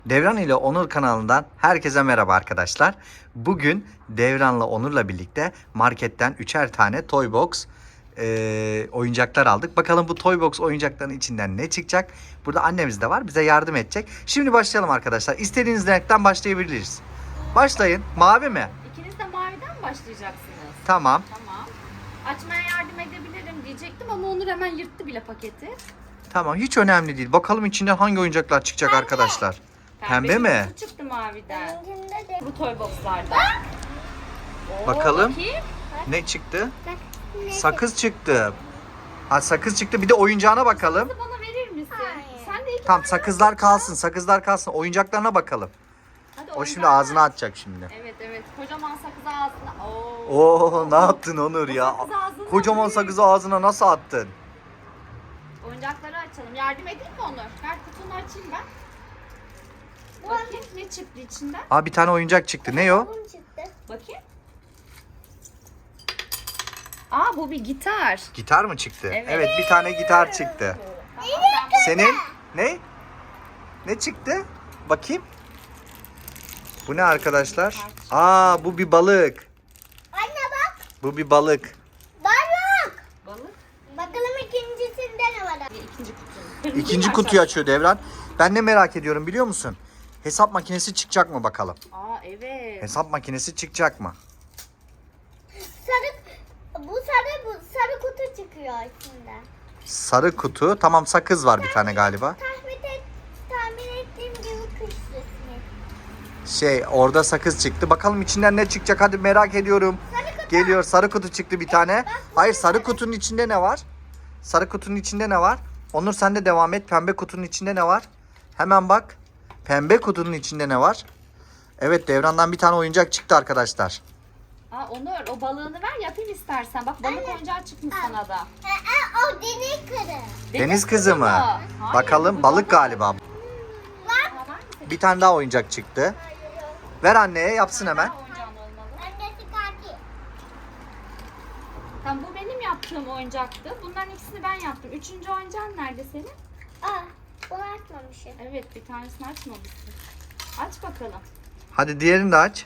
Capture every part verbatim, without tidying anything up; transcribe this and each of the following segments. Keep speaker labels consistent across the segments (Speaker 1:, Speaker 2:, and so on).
Speaker 1: Devran ile Onur kanalından herkese merhaba arkadaşlar. Bugün Devran'la Onur'la birlikte marketten üçer tane Toy Box e, oyuncaklar aldık. Bakalım bu Toy Box oyuncakların içinden ne çıkacak? Burada annemiz de var, bize yardım edecek. Şimdi başlayalım arkadaşlar. İstediğiniz renkten başlayabiliriz. Başlayın. Mavi mi?
Speaker 2: İkiniz de maviden mi başlayacaksınız?
Speaker 1: Tamam.
Speaker 2: Tamam. Açmaya yardım edebilirim diyecektim ama Onur hemen yırttı bile paketi.
Speaker 1: Tamam, hiç önemli değil. Bakalım içinden hangi oyuncaklar çıkacak arkadaşlar. Pembe mi?
Speaker 2: kutu çıktı maviden. Bu Toy Box'larda. Oo,
Speaker 1: Bakalım.
Speaker 2: bakayım.
Speaker 1: Ne çıktı? Sakız çıktı. Ha, sakız çıktı. Bir de oyuncağına bakalım.
Speaker 2: Sakızı bana verir misin?
Speaker 3: Hayır.
Speaker 2: Sen de iki
Speaker 1: Tamam,
Speaker 2: tane
Speaker 1: sakızlar
Speaker 2: yap.
Speaker 1: kalsın. Sakızlar kalsın. Oyuncaklarına bakalım.
Speaker 2: Hadi
Speaker 1: O şimdi
Speaker 2: oyuncağını
Speaker 1: ağzına
Speaker 2: aç.
Speaker 1: atacak şimdi.
Speaker 2: Evet evet. Kocaman sakızı ağzına. Oo.
Speaker 1: Oo, ne yaptın Onur ya?
Speaker 2: sakız ağzına
Speaker 1: Kocaman
Speaker 2: büyük.
Speaker 1: sakızı ağzına nasıl attın?
Speaker 2: Oyuncakları açalım. Yardım edeyim mi Onur? Ver kutunu açayım ben. Bakayım ne çıktı içinden.
Speaker 1: Aa, bir tane oyuncak çıktı. Ne o?
Speaker 3: Bunun çıktı.
Speaker 2: Bakayım. Aa bu bir gitar.
Speaker 1: Gitar mı çıktı? Evet,
Speaker 2: Evet.
Speaker 1: bir tane gitar çıktı.
Speaker 2: Tamam, ben-
Speaker 1: Senin ne? Ne çıktı? Bakayım. Bu ne arkadaşlar? Aa, bu bir balık.
Speaker 3: Anne bak.
Speaker 1: Bu bir balık.
Speaker 3: Balık.
Speaker 2: Balık.
Speaker 3: Bakalım ikincisinde ne var?
Speaker 2: İkinci kutu.
Speaker 1: İkinci kutuyu açıyor Devran. Ben ne merak ediyorum biliyor musun? Hesap makinesi çıkacak mı bakalım?
Speaker 2: Aa evet.
Speaker 1: Hesap makinesi çıkacak mı?
Speaker 3: Sarı, bu sarı bu sarı kutu çıkıyor içinde.
Speaker 1: Sarı kutu. Tamam, sakız var bir tane galiba.
Speaker 3: Tahmin et, tahmin ettiğim gibi kış resmi.
Speaker 1: Şey, orada sakız çıktı. Bakalım içinden ne çıkacak, hadi merak ediyorum.
Speaker 3: Sarı kutu.
Speaker 1: Geliyor, sarı kutu çıktı bir tane. Hayır, sarı kutunun içinde ne var? Sarı kutunun içinde ne var? Onur, sen de devam et. Pembe kutunun içinde ne var? Hemen bak. Pembe kutunun içinde ne var? Evet, Devran'dan bir tane oyuncak çıktı arkadaşlar.
Speaker 2: Aa Onur o balığını ver yapayım istersen. Bak balık oyuncağı çıkmış sana da.
Speaker 3: Ee, e, o deniz kırı.
Speaker 1: Deniz kızı mı?
Speaker 2: Hayır,
Speaker 1: Bakalım,
Speaker 2: bu
Speaker 1: balık galiba.
Speaker 2: Aa, var mı senin?
Speaker 1: Bir tane daha oyuncak çıktı. Ver anneye, yapsın hemen.
Speaker 2: Daha oyuncağın olmalı.
Speaker 3: Annesi kaki.
Speaker 2: Tamam bu benim yaptığım oyuncaktı. Bunların ikisini ben yaptım. Üçüncü oyuncağın nerede senin?
Speaker 3: Aa, bunu açmamışım.
Speaker 2: Evet bir tanesini açmamışsın. Aç bakalım.
Speaker 1: Hadi diğerini de aç.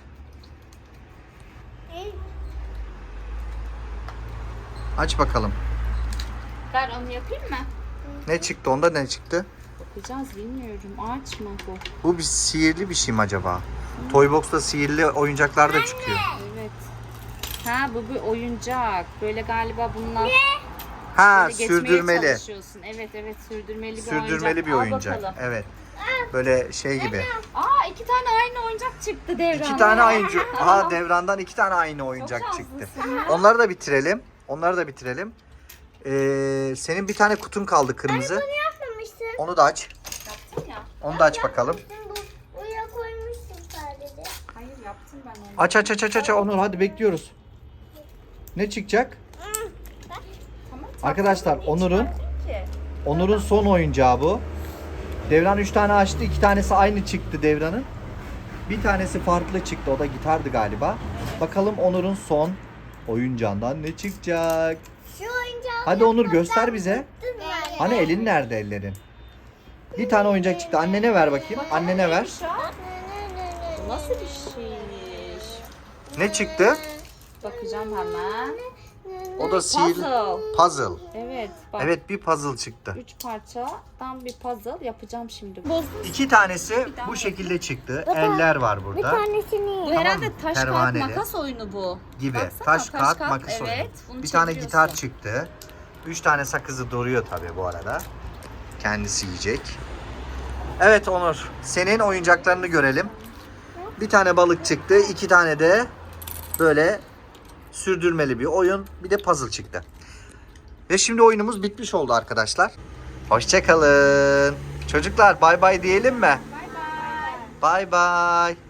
Speaker 1: Aç bakalım.
Speaker 2: Ver onu yapayım mı?
Speaker 1: Ne çıktı? Onda ne çıktı?
Speaker 2: Bakacağız bilmiyorum. Ağaç mı bu?
Speaker 1: Bu bir sihirli bir şey mi acaba? Toybox'ta sihirli oyuncaklar da çıkıyor.
Speaker 2: Evet. Ha bu bir oyuncak. Böyle galiba bununla
Speaker 1: Ha,
Speaker 2: böyle geçmeye
Speaker 1: sürdürmeli.
Speaker 2: çalışıyorsun. Evet evet sürdürmeli bir
Speaker 1: Sürdürmeli bir
Speaker 2: Al
Speaker 1: oyuncak.
Speaker 2: bakalım.
Speaker 1: Evet. Böyle şey gibi.
Speaker 2: Aa iki tane aynı oyuncak çıktı Devran.
Speaker 1: İki tane oyuncu. Aha, Devran'dan iki tane aynı oyuncak
Speaker 2: Çok
Speaker 1: çıktı.
Speaker 2: şanslısın ya.
Speaker 1: Onları da bitirelim. Onları da bitirelim. Ee, senin bir tane kutun kaldı kırmızı.
Speaker 3: Yapmamışsın.
Speaker 1: Onu da aç.
Speaker 2: Yaptın ya.
Speaker 1: Onu da aç bakalım.
Speaker 3: Bu buraya koymuşsun sadece.
Speaker 2: Hayır yaptım ben onu.
Speaker 1: Aç aç aç aç aç. Onur, hadi bekliyoruz. Ne çıkacak?
Speaker 2: Tamam,
Speaker 1: Arkadaşlar,
Speaker 2: tatlıyı
Speaker 1: Onur'un-
Speaker 2: çıkartayım ki.
Speaker 1: Onur'un son oyuncağı bu. Devran üç tane açtı. iki tanesi aynı çıktı Devran'ın. Bir tanesi farklı çıktı. O da gitardı galiba. Bakalım Onur'un son oyuncağından ne çıkacak?
Speaker 3: Şu oyuncağı
Speaker 1: Hadi Onur, göster bize.
Speaker 3: yani.
Speaker 1: Hani elin nerede, ellerin? Bir tane oyuncak çıktı. Annene ver bakayım. Annene ver.
Speaker 2: Neymiş o? Bu nasıl bir şeymiş?
Speaker 1: Ne çıktı?
Speaker 2: Bakacağım hemen.
Speaker 1: O da sihirli.
Speaker 2: Puzzle.
Speaker 1: Puzzle.
Speaker 2: Evet bak.
Speaker 1: Evet, bir puzzle çıktı.
Speaker 2: Üç parçadan bir puzzle yapacağım şimdi. Bozdum.
Speaker 1: İki tanesi bu şekilde çıktı. Eller var
Speaker 3: Bir
Speaker 1: burada.
Speaker 3: tanesini.
Speaker 2: Bu
Speaker 1: Tamam,
Speaker 2: herhalde taş kağıt
Speaker 1: pervaneli.
Speaker 2: makas oyunu bu.
Speaker 1: Gibi.
Speaker 2: Baksana,
Speaker 1: Taş, kağıt, makas
Speaker 2: evet,
Speaker 1: oyunu.
Speaker 2: bunu
Speaker 1: Bir tane
Speaker 2: çeviriyorsun.
Speaker 1: gitar çıktı. Üç tane sakızı duruyor tabii bu arada. Kendisi yiyecek. Evet Onur, senin oyuncaklarını görelim. Bir tane balık çıktı. İki tane de böyle sürdürmeli bir oyun. Bir de puzzle çıktı. Ve şimdi oyunumuz bitmiş oldu arkadaşlar. Hoşça kalın. Çocuklar, bay bay diyelim mi?
Speaker 2: Bay bay.
Speaker 1: Bay bay.